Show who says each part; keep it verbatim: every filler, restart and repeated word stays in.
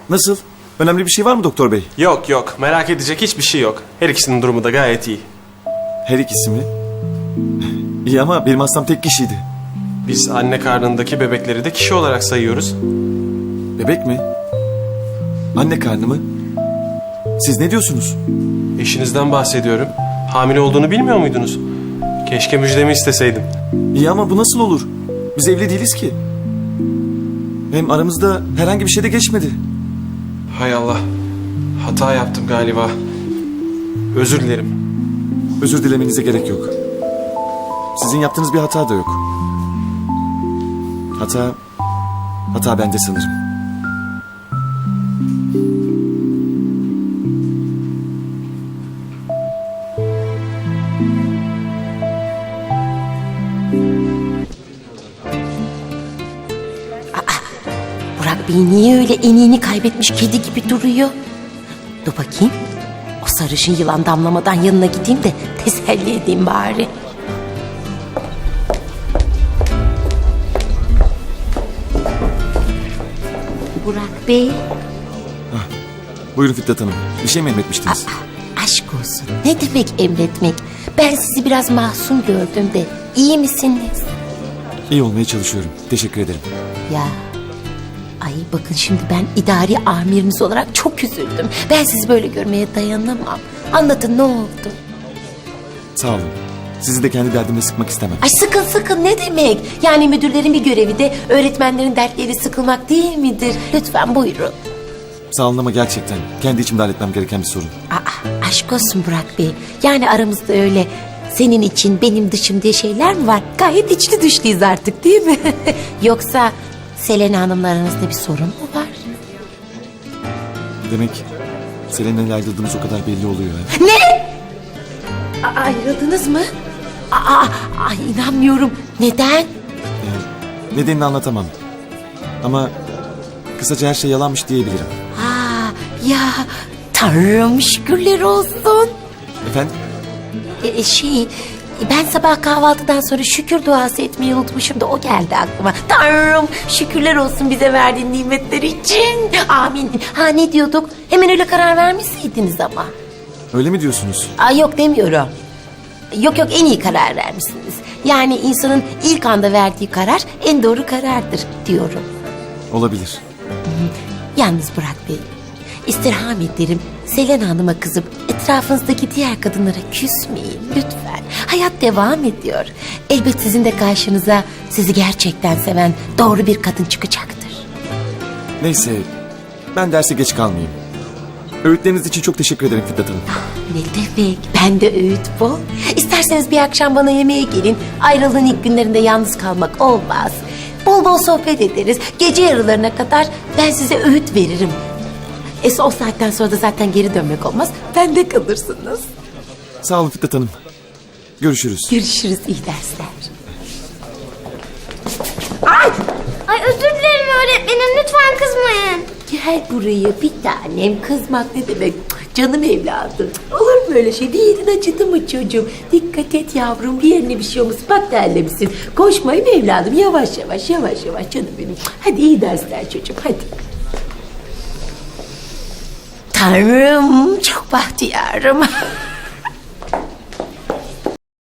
Speaker 1: Nasıl? Önemli bir şey var mı doktor bey?
Speaker 2: Yok yok, merak edecek hiçbir şey yok. Her ikisinin durumu da gayet iyi.
Speaker 1: Her ikisi mi? İyi ama benim hastam tek kişiydi.
Speaker 2: Biz anne karnındaki bebekleri de kişi olarak sayıyoruz.
Speaker 1: Bebek mi? Anne karnı mı? Siz ne diyorsunuz?
Speaker 2: Eşinizden bahsediyorum. Hamile olduğunu bilmiyor muydunuz? Keşke müjdemi isteseydim.
Speaker 1: İyi ama bu nasıl olur? Biz evli değiliz ki. Hem aramızda herhangi bir şey de geçmedi.
Speaker 2: Hay Allah, hata yaptım galiba. Özür dilerim.
Speaker 1: Özür dilemenize gerek yok. Sizin yaptığınız bir hata da yok. Hata... Hata bende sanırım.
Speaker 3: Burak Bey niye öyle eniğini kaybetmiş kedi gibi duruyor? Dur bakayım. O sarışın yılan damlamadan yanına gideyim de teselli edeyim bari. Burak Bey.
Speaker 1: Buyurun Fitnat Hanım. Bir şey mi emretmiştiniz?
Speaker 3: Aa, aşk olsun. Ne demek emretmek? Ben sizi biraz mahzun gördüm de. İyi misiniz?
Speaker 1: İyi olmaya çalışıyorum. Teşekkür ederim.
Speaker 3: Ya... Ay bakın şimdi ben idari amiriniz olarak çok üzüldüm. Ben sizi böyle görmeye dayanamam. Anlatın ne oldu?
Speaker 1: Sağ olun. Sizi de kendi derdime sıkmak istemem.
Speaker 3: Ay sıkın sıkın ne demek? Yani müdürlerin bir görevi de öğretmenlerin dertleri sıkılmak değil midir? Lütfen buyurun.
Speaker 1: Sağ olun ama gerçekten kendi içimde halletmem gereken bir sorun.
Speaker 3: Aa, aşk olsun Burak Bey. Yani aramızda öyle senin için benim dışım diye şeyler mi var? Gayet içli dışlıyız artık değil mi? Yoksa Selena Hanım'la aranızda bir sorun mu var?
Speaker 1: Demek Selena ile ayrıldığımız o kadar belli oluyor. Ha?
Speaker 3: Ne? A- ayrıldınız mı? Aa, ay inanmıyorum. Neden?
Speaker 1: Ee, nedenini anlatamam. Ama kısaca her şey yalanmış diyebilirim.
Speaker 3: Aa, ya Tanrım şükürler olsun.
Speaker 1: Efendim?
Speaker 3: Ee, şey ben sabah kahvaltıdan sonra şükür duası etmeyi unutmuşum da o geldi aklıma. Tanrım şükürler olsun bize verdiğin nimetler için. Amin. Ha ne diyorduk? Hemen öyle karar vermişsiniz ama.
Speaker 1: Öyle mi diyorsunuz?
Speaker 3: Aa, yok demiyorum. Yok yok en iyi karar vermişsiniz. Yani insanın ilk anda verdiği karar en doğru karardır diyorum.
Speaker 1: Olabilir.
Speaker 3: Yalnız Burak Bey, istirham ederim Selena Hanım'a kızıp etrafınızdaki diğer kadınlara küsmeyin lütfen. Hayat devam ediyor. Elbet sizin de karşınıza sizi gerçekten seven doğru bir kadın çıkacaktır.
Speaker 1: Neyse ben derse geç kalmayayım. Öğütleriniz için çok teşekkür ederim Fitnat Hanım.
Speaker 3: Ne demek? Ben de öğüt bol. İsterseniz bir akşam bana yemeğe gelin. Ayrılığın ilk günlerinde yalnız kalmak olmaz. Bol bol sohbet ederiz. Gece yarılarına kadar ben size öğüt veririm. E o saatten sonra da zaten geri dönmek olmaz. Bende kalırsınız.
Speaker 1: Sağ olun Fitnat Hanım. Görüşürüz.
Speaker 3: Görüşürüz, iyi dersler.
Speaker 4: Ay! Ay özür dilerim öğretmenim, lütfen kızmayın.
Speaker 3: Gel buraya bir tanem. Kızmak ne demek? Canım evladım. Olur mu öyle şey? Bir yerin acıdı mı çocuğum? Dikkat et yavrum, bir yerine bir şey olmasın. Bak terlemişsin. Koşmayın evladım. Yavaş yavaş, yavaş yavaş canım benim. Hadi iyi dersler çocuğum, hadi. Tanrım, çok bahtiyarım.